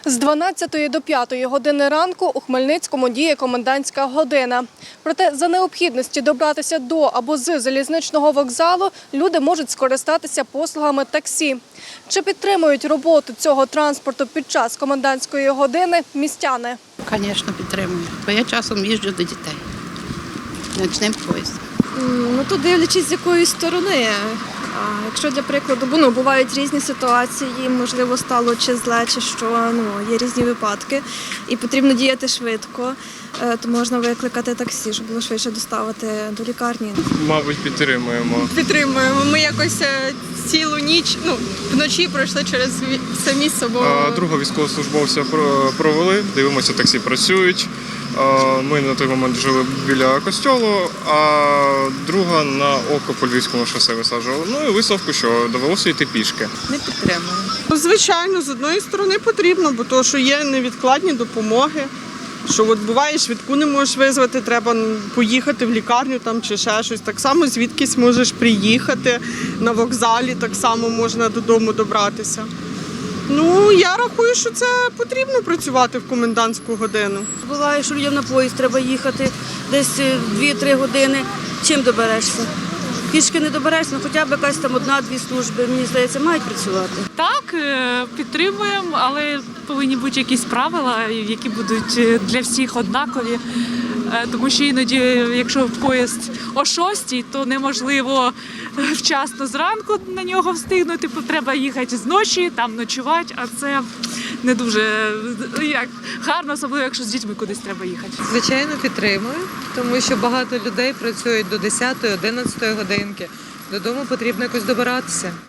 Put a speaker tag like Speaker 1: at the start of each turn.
Speaker 1: З 12 до 5 години ранку у Хмельницькому діє комендантська година. Проте за необхідності добратися до або з залізничного вокзалу люди можуть скористатися послугами таксі. Чи підтримують роботу цього транспорту під час комендантської години містяни?
Speaker 2: Звісно, підтримую, бо я часом їжджу до дітей ночним поїздом.
Speaker 3: Ну, то дивлячись, з якої сторони. А якщо, для прикладу, бувають різні ситуації, можливо, стало чи зле, чи що, є різні випадки, і потрібно діяти швидко, то можна викликати таксі, щоб було швидше доставити до лікарні.
Speaker 4: Мабуть, підтримуємо.
Speaker 5: Підтримуємо. Ми якось цілу ніч, вночі пройшли через це місце, бо...
Speaker 4: Другого військовослужбовця провели, дивимося, таксі працюють. Ми на той момент жили біля костьолу, а друга на око по Львівському шосе висаджували. Ну і висновку, що довелося йти пішки.
Speaker 5: Не підтримуємо.
Speaker 6: Звичайно, з одної сторони потрібно, бо то, що є невідкладні допомоги. Що от буває, швидку не можеш визвати, треба поїхати в лікарню там, чи ще щось. Так само звідкись можеш приїхати, на вокзалі так само можна додому добратися. Ну, я рахую, що це потрібно працювати в комендантську годину.
Speaker 7: Буває, що людям на поїзд треба їхати десь 2-3 години. Чим доберешся? Пішки не доберешся, хоча б якась там 1-2 служби, мені здається, мають працювати.
Speaker 8: Так, підтримуємо, але повинні бути якісь правила, які будуть для всіх однакові. Тому що іноді, якщо поїзд о 6, то неможливо вчасно зранку на нього встигнути, треба їхати зночі, там ночувати, а це не дуже гарно, особливо якщо з дітьми кудись треба їхати.
Speaker 9: Звичайно, підтримую, тому що багато людей працюють до 10-11 годинки. Додому потрібно якось добиратися.